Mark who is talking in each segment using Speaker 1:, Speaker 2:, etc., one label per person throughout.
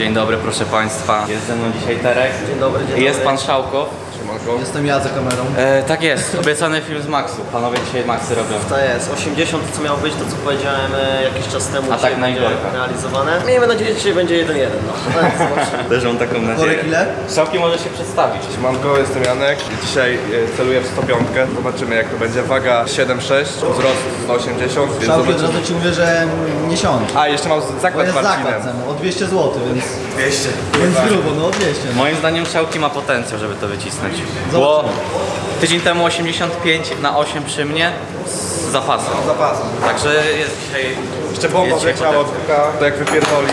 Speaker 1: Dzień dobry, proszę Państwa. Jest ze mną dzisiaj Terek.
Speaker 2: Dzień dobry, dzień dobry.
Speaker 1: Jest Pan Szałko.
Speaker 2: Jestem ja za kamerą.
Speaker 1: Tak jest, obiecany film z Maxu. Panowie dzisiaj Maxy robią.
Speaker 2: To jest 80, co miało być, to co powiedziałem jakiś czas temu,
Speaker 1: A
Speaker 2: dzisiaj
Speaker 1: tak na
Speaker 2: będzie
Speaker 1: Igorka.
Speaker 2: realizowane. Miejmy nadzieję, że dzisiaj będzie 1-1, no.
Speaker 1: Też mam taką nadzieję.
Speaker 3: Worek ile?
Speaker 1: Szałki może się przedstawić.
Speaker 4: Siemanko, jestem Janek i dzisiaj celuję w 105. Zobaczymy jak to będzie. Waga 7,6, wzrost 180, więc
Speaker 3: Szałki, od
Speaker 4: zobaczymy.
Speaker 3: razu ci mówię, że nie siądzie.
Speaker 4: A, jeszcze mam
Speaker 3: Bo
Speaker 4: zakład
Speaker 3: jest
Speaker 4: z Marcinem.
Speaker 3: zakład ceny, o 200 zł, więc
Speaker 4: 200.
Speaker 3: grubo, no o 200.
Speaker 1: Moim zdaniem Szałki ma potencjał, żeby to wycisnąć.
Speaker 3: Zobaczymy.
Speaker 1: Bo tydzień temu 85/8 przy mnie z zapasem.
Speaker 4: Zapasem.
Speaker 1: Także jest dzisiaj...
Speaker 4: Jeszcze bomba
Speaker 1: jest dzisiaj
Speaker 4: wleciała od
Speaker 1: potencjał.
Speaker 4: buka, to jak wypierdoli.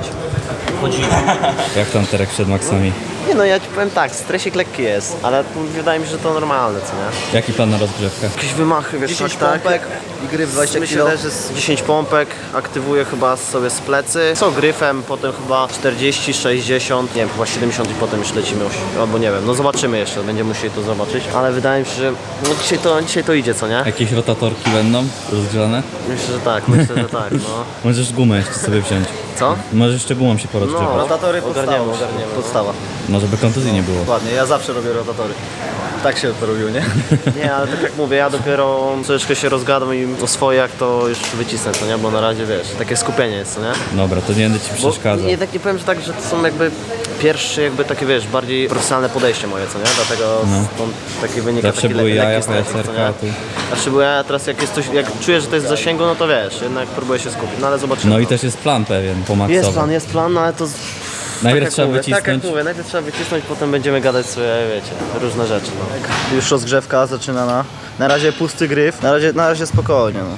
Speaker 1: Jak tam Terek przed Maxami?
Speaker 2: Nie no, ja ci powiem tak, stresik lekki jest, ale wydaje mi się, że to normalne, co nie?
Speaker 1: Jaki plan na rozgrzewkę?
Speaker 2: Jakieś wymachy, wiesz,
Speaker 3: 10
Speaker 2: tak,
Speaker 3: pompek i gry w 20
Speaker 2: Myślę,
Speaker 3: kg.
Speaker 2: że z 10 pompek aktywuję chyba sobie z plecy. Co gryfem, potem chyba 40, 60, nie wiem, chyba 70 i potem już lecimy, albo nie wiem, no zobaczymy jeszcze, będziemy musieli to zobaczyć. Ale wydaje mi się, że no dzisiaj to idzie, co nie?
Speaker 5: Jakieś rotatorki będą rozgrzane?
Speaker 2: Myślę, że tak, myślę, że tak, no.
Speaker 5: Możesz gumę jeszcze sobie wziąć.
Speaker 2: Co?
Speaker 5: Możesz jeszcze gumą się porozgrzewać.
Speaker 2: No,
Speaker 3: Rotatory
Speaker 2: ogarniemy.
Speaker 3: podstawa.
Speaker 2: Podstawa.
Speaker 5: No żeby kontuzji nie było.
Speaker 3: Dokładnie, ja zawsze robię rotatory. Tak się to robił, nie?
Speaker 2: Nie, ale tak jak mówię, ja dopiero troszeczkę się rozgadam i o swoje jak to już wycisnę, co nie? Bo na razie, wiesz, takie skupienie jest, co nie?
Speaker 5: Dobra, to nie będę ci
Speaker 2: Bo
Speaker 5: przeszkadzał.
Speaker 2: nie, tak nie powiem, że tak, że to są jakby pierwsze, jakby takie, wiesz, bardziej profesjonalne podejście moje, co nie? Dlatego stąd taki wynika
Speaker 5: Zawsze
Speaker 2: taki
Speaker 5: były jaja,
Speaker 2: lekki stresik, co
Speaker 5: pajacerka,
Speaker 2: nie?
Speaker 5: a tu...
Speaker 2: Zawsze były jaja, teraz jak jest coś, jak czuję, że to jest w zasięgu, no to wiesz, jednak próbuję się skupić, no ale zobaczymy.
Speaker 5: No i też jest plan pewien, pomaksowy.
Speaker 2: Jest plan, no ale to...
Speaker 5: Najpierw
Speaker 2: tak
Speaker 5: trzeba
Speaker 2: jak mówię,
Speaker 5: wycisnąć.
Speaker 2: Tak jak mówię, najpierw trzeba wycisnąć, potem będziemy gadać sobie, wiecie, różne rzeczy, no.
Speaker 3: Już rozgrzewka zaczynana. Na razie pusty gryf, na razie spokojnie. No.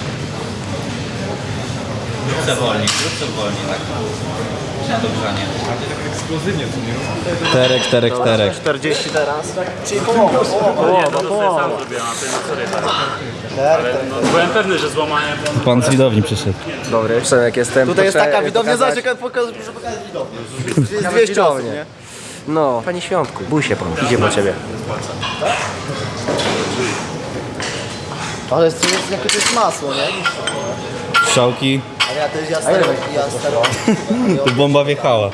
Speaker 1: Rób wolniej, tak. Na dogrzanie.
Speaker 5: Terek.
Speaker 2: 40 teraz.
Speaker 3: Czyli połowa.
Speaker 6: Byłem pewny, że złamanie.
Speaker 5: Pan z widowni przyszedł.
Speaker 2: Dobry, jak jestem.
Speaker 3: Tutaj jest taka widownia, zobacz, jak pokazać widownię. Jest 200 osób, nie?
Speaker 2: No, panie Świątku, bój się pan, idzie po ciebie.
Speaker 3: Ale to jest, jakie to jest masło, nie?
Speaker 5: Szałki,
Speaker 3: Ale ja też, ja staro.
Speaker 5: tu bomba wjechała.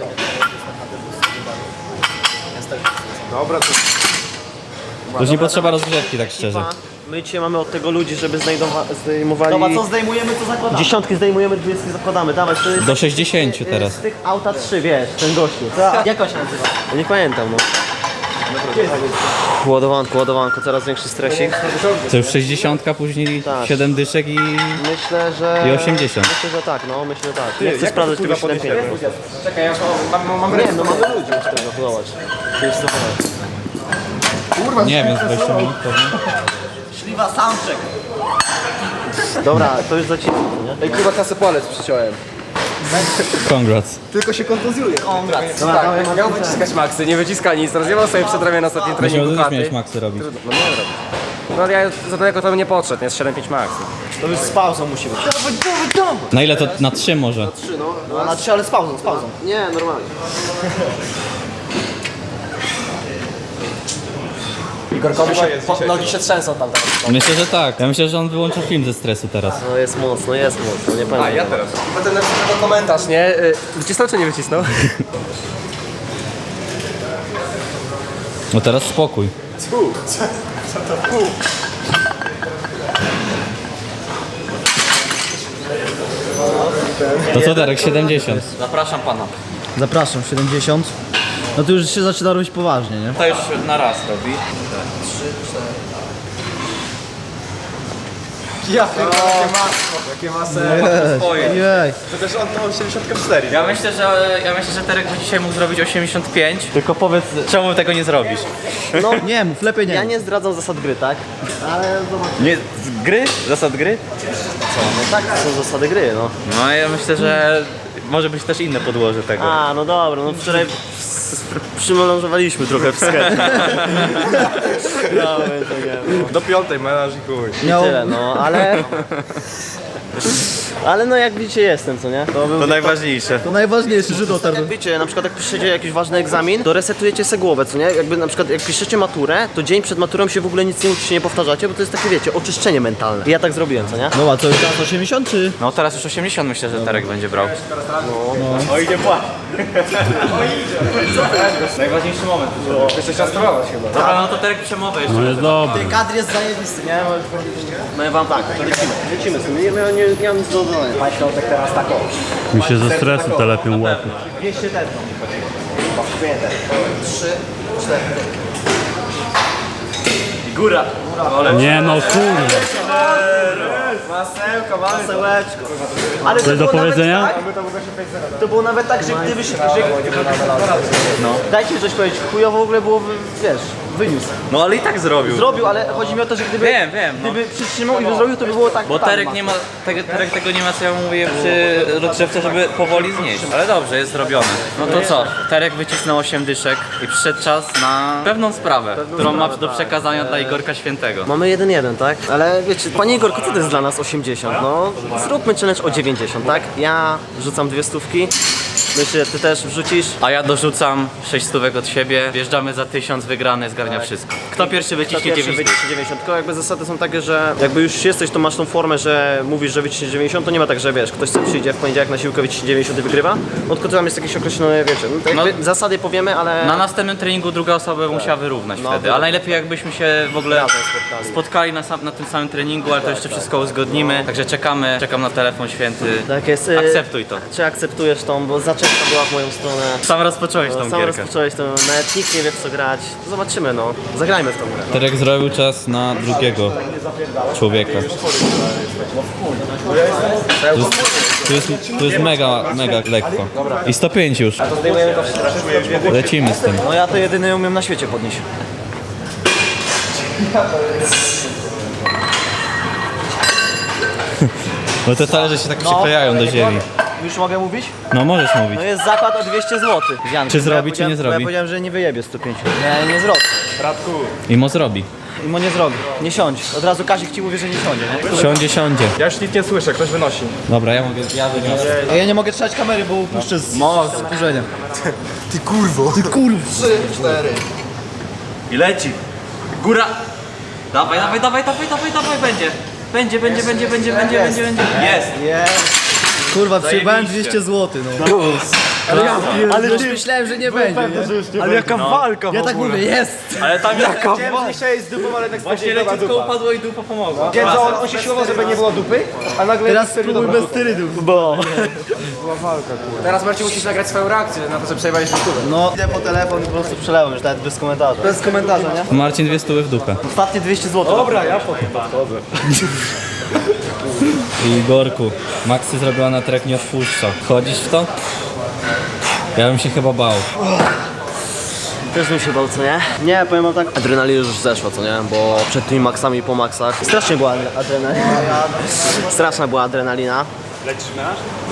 Speaker 4: Dobra, to
Speaker 5: To już nie potrzeba rozgrzewki, tak szczerze.
Speaker 2: My dzisiaj mamy od tego ludzi, żeby zdejmowali...
Speaker 3: Dobra, co zdejmujemy, to zakładamy.
Speaker 2: Dziesiątki zdejmujemy, 20 zakładamy, dawaj, to jest...
Speaker 5: Do 60 teraz.
Speaker 2: Z tych auta 3, wiesz, ten gościu.
Speaker 3: Jak on się nazywa?
Speaker 2: Ja nie pamiętam, no. Ładowanko, coraz większy stresik.
Speaker 5: To już 60, później
Speaker 2: Tak.
Speaker 5: 7 dyszek i...
Speaker 2: Myślę, że...
Speaker 5: I 80.
Speaker 2: Myślę, że tak, no, myślę, że tak. Nie chcę sprawdzać tego 7
Speaker 4: czekaj, ja mam
Speaker 2: Nie, no mamy ludzi już tego, zobacz. To jest to
Speaker 5: Nie wiem, z 20 minut pewnie.
Speaker 3: Śliwa soundcheck.
Speaker 2: Dobra, to już zacisnę, nie?
Speaker 4: Ej, kurwa, kasę palec przyciąłem.
Speaker 5: Congrats.
Speaker 4: Tylko się kontuzjuje.
Speaker 3: Congrats.
Speaker 2: Dobra, dawaj,
Speaker 7: Miał wyciskać maksy, nie wyciska nic, rozjebał sobie przed ramię na ostatnim
Speaker 5: Myślałem,
Speaker 7: treningu
Speaker 5: że też
Speaker 7: klaty.
Speaker 5: miałeś maksy robić.
Speaker 7: No nie robię. No ja za daleko to bym nie podszedł, jest 7,5 max.
Speaker 3: To już z pauzą musi być.
Speaker 5: Na ile to? Na 3 może?
Speaker 3: No na 3, ale z pauzą.
Speaker 2: Nie, normalnie.
Speaker 7: Igorkowi się nogi się trzęsą tam teraz.
Speaker 5: Myślę, że tak. Ja myślę, że on wyłączył film ze stresu teraz.
Speaker 2: No jest mocno, nie pamiętam.
Speaker 4: A, ja teraz.
Speaker 7: I potem napisał komentarz, nie? Wycisnął czy nie wycisnął?
Speaker 5: No teraz spokój. To co Darek, 70.
Speaker 1: Zapraszam pana.
Speaker 3: Zapraszam, 70. No to już się zaczyna robić poważnie, nie?
Speaker 1: To już na raz robi.
Speaker 4: Ja pierdolę, jakie masło.
Speaker 1: Swoje.
Speaker 3: Jej.
Speaker 4: To też on to 74.
Speaker 1: Ja myślę, że Terek by dzisiaj mógł zrobić 85. Tylko powiedz, czemu tego nie zrobisz?
Speaker 2: No,
Speaker 3: Nie mów, lepiej nie.
Speaker 2: ja nie zdradzam zasad gry, tak? Ale zobacz.
Speaker 1: Nie, gry? Zasad gry?
Speaker 2: No tak, to są zasady gry, no.
Speaker 1: No ja myślę, że może być też inne podłoże tego.
Speaker 2: A, no dobra, no wczoraj przymelanżowaliśmy trochę w sklepie. No, więc tak,
Speaker 4: Do 5 menaż i chuj.
Speaker 2: i tyle, no, ale... Ale no jak widzicie jestem, co nie?
Speaker 1: To najważniejsze.
Speaker 3: To najważniejsze, że dotarł.
Speaker 2: Jak wiecie, na przykład jak piszecie jakiś ważny egzamin, to resetujecie sobie głowę, co nie? Jakby na przykład jak piszecie maturę, to dzień przed maturą się w ogóle nic nie uczycie, nie powtarzacie, bo to jest takie, wiecie, oczyszczenie mentalne. I ja tak zrobiłem, co nie?
Speaker 3: No a co, już teraz 80 czy?
Speaker 1: No teraz już 80 myślę, że Terek będzie brał. Najważniejszy moment.
Speaker 7: Jeszcze czas spróbować chyba.
Speaker 1: Dobra, no to Terek przemowę jeszcze.
Speaker 5: jest dobry.
Speaker 2: Kadr jest zajebisty, nie? No wam tak, lecimy sobie, nie mam nic do dodania.
Speaker 6: Mi się ze stresu telepią łapy.
Speaker 2: 200 też. 3, 4.
Speaker 1: Góra.
Speaker 6: Nie no kurde.
Speaker 2: Masełeczko. Ale
Speaker 6: Coś do
Speaker 2: było nawet
Speaker 6: powiedzenia?
Speaker 2: tak, to było nawet tak, że gdybyś... No. Dajcie mi coś powiedzieć, chujowo w ogóle było, wiesz, wyniósł.
Speaker 1: No ale i tak zrobił.
Speaker 2: Zrobił, ale chodzi mi o to, że gdyby...
Speaker 1: Wiem, no.
Speaker 2: Gdyby przytrzymał i by zrobił, to by było tak...
Speaker 1: Bo Terek nie ma, Terek tego nie ma, co ja mówię przy rozgrzewce, żeby powoli znieść. Ale dobrze, jest zrobione. No to co? Terek wycisnął 8 dyszek i przyszedł czas na pewną sprawę, którą ma do przekazania dla Igorka Świętego.
Speaker 2: Mamy 1-1, tak? Ale wiecie, panie Igorku, co to jest dla nas 80? No, zróbmy challenge o 90, tak? Ja rzucam 2 stówki. Myślę, ty też wrzucisz.
Speaker 1: A ja dorzucam 6 stówek od siebie, wjeżdżamy za 1000 wygrany, zgarnia wszystko. Kto pierwszy wyciśnie 9 stów?
Speaker 2: 90. Tylko jakby zasady są takie, że jakby już jesteś, to masz tą formę, że mówisz, że wyciśniesz 90, to nie ma tak, że wiesz, ktoś sobie przyjdzie w poniedziałek na siłkę, wyciśnie 90 i wygrywa. No tylko tam jest jakieś określone, wiecie, no, to jakby zasady powiemy, ale...
Speaker 1: Na następnym treningu druga osoba by musiała wyrównać wtedy, ale najlepiej jakbyśmy się w ogóle spotkali na tym samym treningu, ale to jeszcze wszystko uzgodnimy, także czekam na telefon Święty.
Speaker 2: Tak jest.
Speaker 1: Akceptuj to.
Speaker 2: Czy akceptujesz tą, bo zaczepka była w moją stronę.
Speaker 1: Sam rozpocząłeś tą
Speaker 2: Sam
Speaker 1: gierkę.
Speaker 2: rozpocząłeś to, nawet nikt nie wie w co grać. Zobaczymy, no. Zagrajmy w tą grę.
Speaker 5: Terek zrobił czas na drugiego człowieka. Tu jest mega lekko. I 105 już. Lecimy z tym.
Speaker 2: No ja to jedyny umiem na świecie podnieść.
Speaker 5: Bo te talerze się tak przyklejają do ziemi.
Speaker 2: Już mogę mówić?
Speaker 5: No możesz mówić.
Speaker 2: No jest zakład o 200 zł.
Speaker 5: Czy zrobi, czy nie zrobi?
Speaker 2: Ja powiedziałem, że nie wyjebie 105. Nie zrobi.
Speaker 5: Imo zrobi.
Speaker 2: Imo nie zrobi. Nie siądź. Od razu Kazik ci mówi, że nie siądzie, nie?
Speaker 5: Siądzie.
Speaker 7: Ja już nic nie słyszę, ktoś wynosi.
Speaker 5: Dobra, ja wyniosę.
Speaker 3: Ja nie mogę trzymać kamery, bo puszczę z wkurzenia.
Speaker 1: I leci. Góra. Dawaj, będzie. Będzie. Jest.
Speaker 3: Kurwa, przyjebałem 200 zł, no. Ale już myślałem, że nie będzie, nie?
Speaker 7: Ale jaka walka
Speaker 3: Ja tak mówię, jest!
Speaker 1: Ale tam jaka
Speaker 7: Dzisiaj z dupą, ale jednak
Speaker 1: Właśnie leciutko upadło i dupa pomogła.
Speaker 7: Wiem, że on się siłował, żeby nie było dupy, a nagle...
Speaker 3: Teraz spróbuj bez sterydów.
Speaker 7: Teraz Marcin musisz nagrać swoją reakcję na to, że przejebałeś dupę.
Speaker 2: No, idę po telefon i po prostu przelewam już nawet bez komentarza. Bez komentarza, nie?
Speaker 5: Marcin 2 stówy w dupę.
Speaker 2: Ostatnie 200 zł. Dobra, ja
Speaker 5: I Igorku, Maxy zrobiła na trek nie odpuszcza. Wchodzisz w to? Ja bym się chyba bał.
Speaker 2: Też bym się bał, co nie? Nie, powiem wam tak, adrenalina już zeszła, co nie? Bo przed tymi maksami po maksach strasznie była adrenalina. Straszna była adrenalina.
Speaker 6: Lecisz menaż?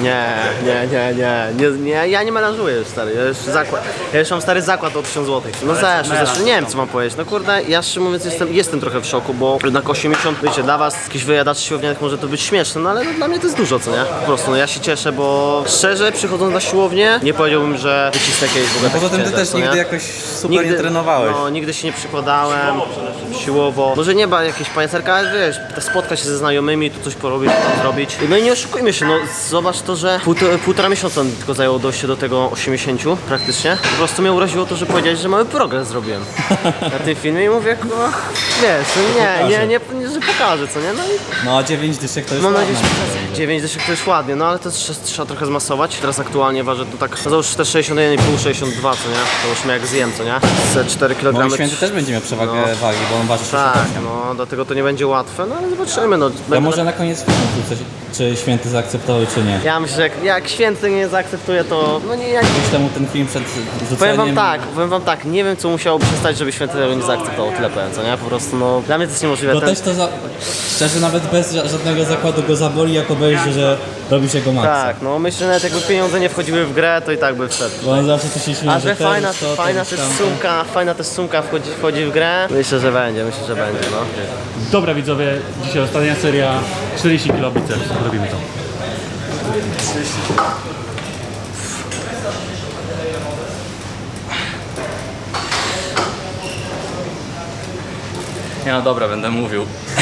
Speaker 2: Nie, ja nie melanżuję już, stary, ja już mam stary zakład o 1000 zł. No zeszło, nie wiem co mam powiedzieć, no kurde, ja szczerze mówiąc jestem trochę w szoku, bo jednak 80, wiecie, dla was, jakichś wyjadaczy siłownianych może to być śmieszne, no ale no, dla mnie to jest dużo, co nie? Po prostu, no ja się cieszę, bo szczerze, przychodząc na siłownię, nie powiedziałbym, że wycisnę jakieś w ogóle
Speaker 1: Poza tym ty
Speaker 2: ciężar,
Speaker 1: też
Speaker 2: co nie?
Speaker 1: nigdy jakoś super nie trenowałeś.
Speaker 2: No, nigdy się nie przykładałem, siłowo. Może nie ma jakieś pajacerka, ale wiesz, spotkać się ze znajomymi, tu coś porobić, tu tam zrobić. No i nie oszukujmy się, no zobacz to, że półtora miesiąca mi tylko zajęło dojście do tego 80 praktycznie. Po prostu mnie uraziło to, że powiedziałeś, że mały progres zrobiłem na tym filmie i mówię, wiesz, no nie, że pokażę, co nie? No i
Speaker 5: No a 9 dyszek to jest
Speaker 2: mam
Speaker 5: ładne.
Speaker 2: nadzieję, że 9 dyszek to jest ładnie, no ale to trzeba trochę zmasować. Teraz aktualnie ważę to tak, no załóż też 61,5, 62, co nie? To już jak zjem, co nie? Ze 4 kg.
Speaker 5: Bo Święty też będzie miał przewagę wagi, bo on waży 68.
Speaker 2: Tak, no dlatego to nie będzie łatwe, no ale zobaczymy, no.
Speaker 5: Ja może na koniec filmu wrócę, czy Święty zaakceptował, czy nie.
Speaker 2: Ja myślę, że jak Święty nie zaakceptuje, to no nie,
Speaker 5: Gdzieś temu ten film przed rzuceniem...
Speaker 2: powiem wam tak, nie wiem co musiałoby się stać, żeby Święty tego nie zaakceptował, tyle powiem, co nie? Po prostu no, dla mnie to jest niemożliwe.
Speaker 5: Bo też to szczerze nawet bez żadnego zakładu go zaboli, jak obejrzy, że robisz jego maksa.
Speaker 2: Tak, no myślę, że nawet jakby pieniądze nie wchodziły w grę, to i tak by wszedł.
Speaker 5: Bo on zawsze tu się śmieje,
Speaker 2: A że fajna
Speaker 5: też
Speaker 2: też sumka wchodzi w grę, myślę, że będzie, no.
Speaker 6: Dobra widzowie, dzisiaj ostatnia seria 40 kg biceps. Robimy to.
Speaker 1: Nie no dobra, będę mówił.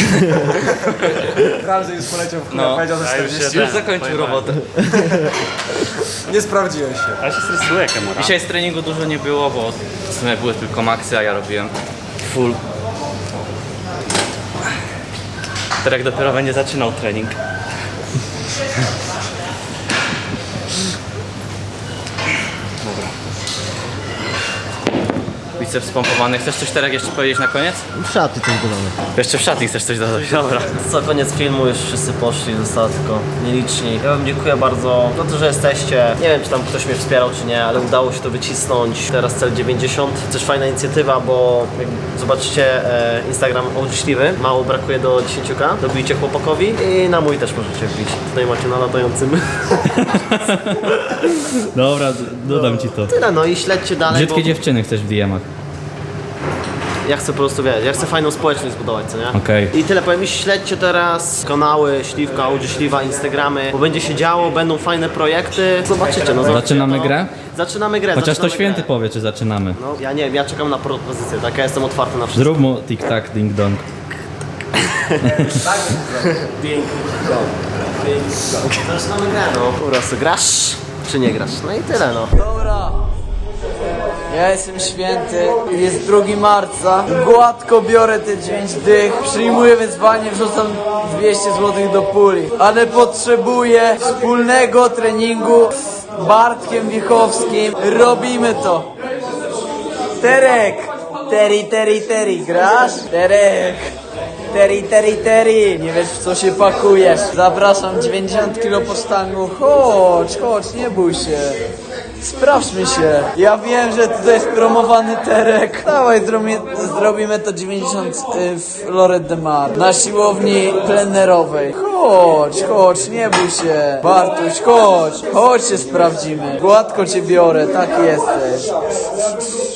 Speaker 7: Ramzy już poleciał w
Speaker 1: No,
Speaker 7: powiedział ze 40.
Speaker 1: już zakończył robotę.
Speaker 7: Nie sprawdziłem się.
Speaker 6: Ale się stresuję, kamera.
Speaker 1: Dzisiaj z treningu dużo nie było, bo w sumie były tylko maksy, a ja robiłem full. Terek dopiero będzie zaczynał trening. Dobra. Biceps pompowany. Chcesz coś, Terek, jeszcze powiedzieć na koniec?
Speaker 2: W szatni coś dodamy.
Speaker 1: Jeszcze w szatni chcesz coś dodać, dobra.
Speaker 2: Co, koniec filmu, już wszyscy poszli, zostało tylko nieliczni. Ja wam dziękuję bardzo za to, że jesteście. Nie wiem, czy tam ktoś mnie wspierał, czy nie, ale udało się to wycisnąć. Teraz cel 90. Też fajna inicjatywa, bo jak zobaczycie Instagram Ołdźśliwy, mało brakuje do 10k. Dobijcie chłopakowi i na mój też możecie wbić. Tutaj macie na latającym.
Speaker 5: Dobra, dodam ci to.
Speaker 2: Tyle, no i śledźcie dalej,
Speaker 5: Brzydkie
Speaker 2: bo
Speaker 5: dziewczyny chcesz w DM-ach.
Speaker 2: ja chcę po prostu, wiesz, ja chcę fajną społeczność zbudować, co nie?
Speaker 5: Okej.
Speaker 2: I tyle powiem, i śledźcie teraz kanały Śliwka, Ołdzi Śliwa, Instagramy, bo będzie się działo, będą fajne projekty. Zobaczycie, no zobaczycie
Speaker 5: Zaczynamy
Speaker 2: to.
Speaker 5: grę?
Speaker 2: Zaczynamy grę.
Speaker 5: Chociaż to
Speaker 2: zaczynamy
Speaker 5: święty
Speaker 2: grę.
Speaker 5: powie, czy zaczynamy.
Speaker 2: No, ja nie wiem, ja czekam na propozycję, tak? Ja jestem otwarty na wszystko.
Speaker 5: Zrób mu tik-tak, ding-dong.
Speaker 2: Zaczynamy grę, no. Po prostu grasz, czy nie grasz? No i tyle, no.
Speaker 8: Dobra. Ja jestem święty, jest 2 marca, gładko biorę te 9 dych, przyjmuję wyzwanie, wrzucam 200 zł do puli, ale potrzebuję wspólnego treningu z Bartkiem Wiechowskim, robimy to. Terek, Teri, grasz? Terek. Teri, nie wiesz w co się pakujesz. Zapraszam, 90 kg po sztangu, chodź, nie bój się. Sprawdźmy się. Ja wiem, że tutaj jest promowany Terek. Dawaj, zrobimy to 90 w Lloret de Mar. Na siłowni plenerowej. Chodź, nie bój się. Bartuś, chodź się sprawdzimy. Gładko cię biorę, tak jesteś.